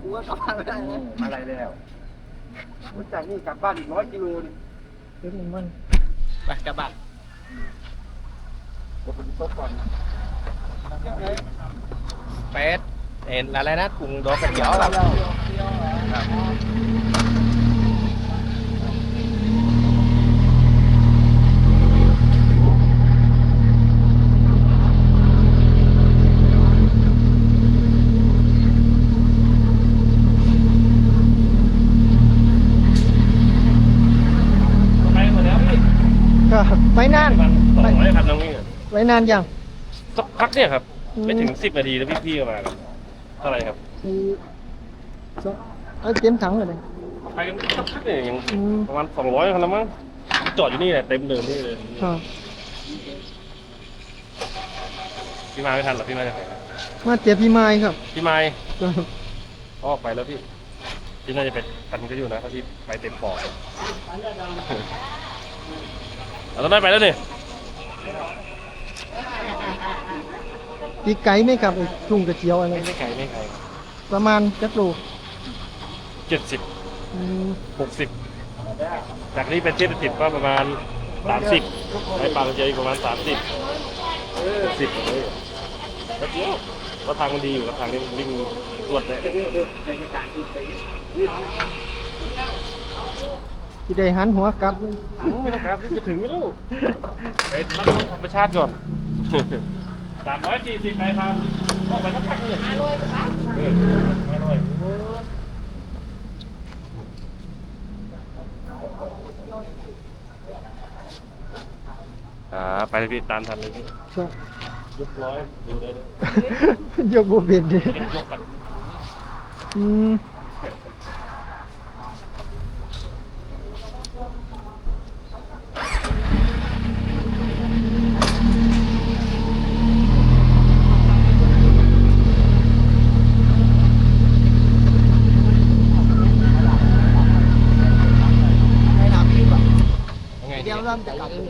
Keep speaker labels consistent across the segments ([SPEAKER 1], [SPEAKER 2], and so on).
[SPEAKER 1] กูก็กลับบ้านไม่ได้นะ
[SPEAKER 2] มาอะไรแล้วจากนี่กลับบ้านอีก100 กิโลนี่
[SPEAKER 1] เดี๋ยวมัน
[SPEAKER 3] ไปกลับบ้าน
[SPEAKER 2] เดี๋ยวผมตกก่อน
[SPEAKER 3] เป็ดเห็นอะไรนะกุ้งดอกกระเจียวครับครับไปหมดแล้วพี่
[SPEAKER 1] ก็ไว้นาน
[SPEAKER 3] 200ครับน้องวิ่ง
[SPEAKER 1] ไว้นานยัง
[SPEAKER 3] สักพักเนี่ยครับไม่ถึง10 นาทีแล้วพี่ๆก็มากันเท่าไหร่ครับ
[SPEAKER 1] เอาเต็มถังเลย
[SPEAKER 3] ไปกันสักพักเนี่ยยัง
[SPEAKER 1] อืม
[SPEAKER 3] ประมาณ200คนแล้วมั้งจอดอยู่นี่แหละเต็มเดิมนี่เลย
[SPEAKER 1] ครับ
[SPEAKER 3] พี่มาไม่ทันหรอพี่มาจากไหน
[SPEAKER 1] มาเจ็บพี่ไม้ครับ
[SPEAKER 3] พี่ไม้
[SPEAKER 1] ครับ
[SPEAKER 3] ออกไปแล้วพี่พี่น่าจะเป็นทันก็อยู่นะถ้าพี่ไปเต็มปอดเราต้องได้ไปแล้วนี่
[SPEAKER 1] ตีไก่ไหมครับไอ้กุ้งกระเจียวอะไร
[SPEAKER 3] ไม่ไกลไม่ไกล
[SPEAKER 1] ประมาณจักโล
[SPEAKER 3] 70
[SPEAKER 1] อืม
[SPEAKER 3] 60จากนี้เป็นเทศติดก็ประมาณ30ไปปากกระเจียวอีกประมาณ30 10เลยแล้วเดียวเพราะทางมันดีอยู่กับทางนี้มันวิ่งรวดเลย
[SPEAKER 1] ที่ได้หันหัวกลับ
[SPEAKER 3] ไม่ต้องครับจะถึงไม่รู้ไปรับธรรมชาติก่อน340ไปทางออกไปสักพักหนึ่ง500ครับไปเลยพี่ตามทันเลยพี่
[SPEAKER 1] ครับ
[SPEAKER 3] ยกร้อยดูได้เลย
[SPEAKER 1] ยกบ่เป็นดิ
[SPEAKER 3] ยกกัน
[SPEAKER 1] อืมให้ถามพี่ก่อน
[SPEAKER 3] ยังไง
[SPEAKER 1] เดี๋ยวเริ่มจากกลับเลย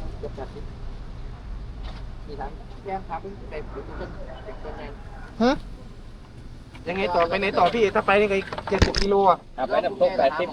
[SPEAKER 1] ฮะ
[SPEAKER 2] ยังไงต่อไปไหนต่อพี่ถ้าไปนี่ก็อีก70 กิโลอ่ะ
[SPEAKER 3] ไปน้ำตก80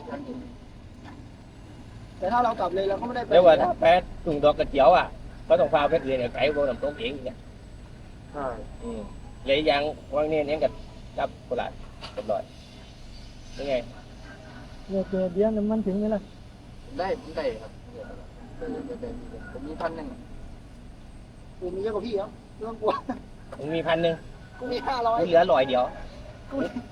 [SPEAKER 1] แต่ถ้าเรากลับเลยเราก็ไม่ได้ไป
[SPEAKER 3] เรียกว่าถ้าแพ้ถุงดอกกระเจียวอ่ะก็ต้องพาไปเรียนไกลพวกน้ำตกเองเนี่ย
[SPEAKER 2] ใช่
[SPEAKER 3] เลยยังวางเนี่ยกับจับโคราชเรียบร้อยยังไง
[SPEAKER 1] เดี๋ยวน้ำมันถึงไหมล่ะ
[SPEAKER 2] ได้ผมได้ครับผมมี1,100
[SPEAKER 1] กูมีเยอะกว่าพี่ครับไม่ต้องกลัว
[SPEAKER 3] มึงมี1,000
[SPEAKER 1] กูมี500
[SPEAKER 3] เหลือ100เดียว